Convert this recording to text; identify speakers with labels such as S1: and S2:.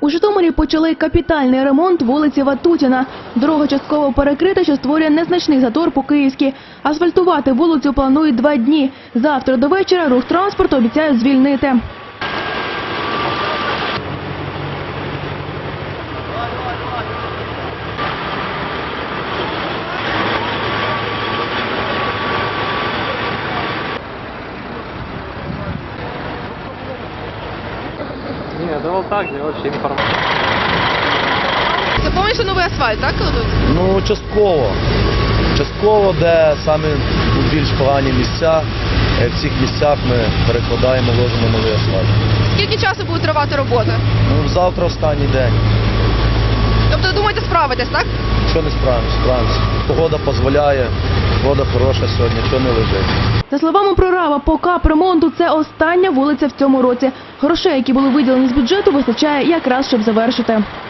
S1: У Житомирі почали капітальний ремонт вулиці Ватутіна. Дорога частково перекрита, що створює незначний затор по Київській. Асфальтувати вулицю планують 2 дні. Завтра до вечора рух транспорту обіцяють звільнити.
S2: Ні, да вот так, вообще информация.
S3: Це повністю новий асфальт, так, кладуть?
S4: Ну, частково. Частково, де саме більш погані місця, в цих місцях ми перекладаємо, ложимо новий асфальт.
S3: Скільки часу буде тривати робота?
S4: Ну, завтра останній день.
S3: Тобто, думаєте, справитесь, так?
S4: Що не справимося, справимося. Погода дозволяє, погода хороша сьогодні, що не лежить.
S1: За словами прораба, по капремонту це остання вулиця в цьому році. Грошей, які були виділені з бюджету, вистачає якраз, щоб завершити.